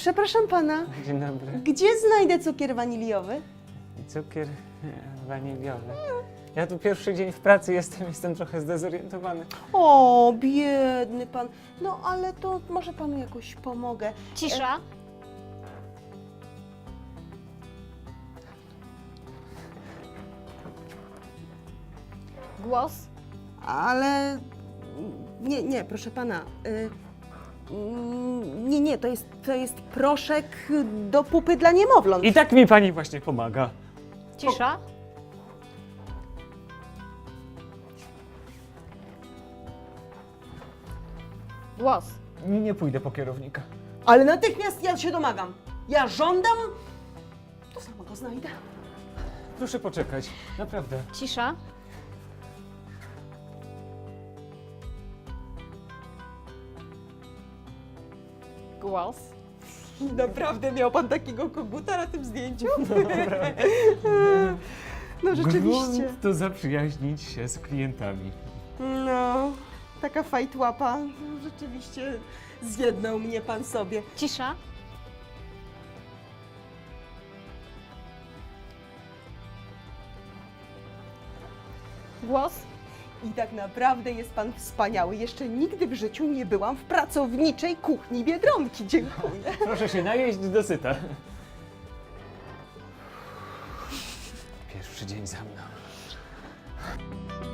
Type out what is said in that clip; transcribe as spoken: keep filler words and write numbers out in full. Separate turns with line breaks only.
Przepraszam pana,
Dzień dobry.
gdzie znajdę cukier waniliowy?
Cukier e, waniliowy. Ja tu pierwszy dzień w pracy jestem, jestem trochę zdezorientowany.
O, biedny pan. No ale to może panu jakoś pomogę.
Cisza. Głos.
Ale nie, nie, proszę pana. Y, mm, nie, nie, to jest, to jest proszek do pupy dla niemowląt.
I tak mi pani właśnie pomaga.
Cisza. Głos.
Nie, nie pójdę po kierownika.
Ale natychmiast ja się domagam. Ja żądam, to samo go znajdę.
Proszę poczekać, naprawdę.
Cisza. Głos.
Naprawdę miał pan takiego koguta na tym zdjęciu? No rzeczywiście.
Grunt to zaprzyjaźnić się z klientami.
No, taka fajtłapa. Rzeczywiście zjednał mnie pan sobie.
Cisza. Głos.
I tak naprawdę jest pan wspaniały. Jeszcze nigdy w życiu nie byłam w pracowniczej kuchni Biedronki. Dziękuję.
Proszę się najeść do syta. Pierwszy dzień za mną.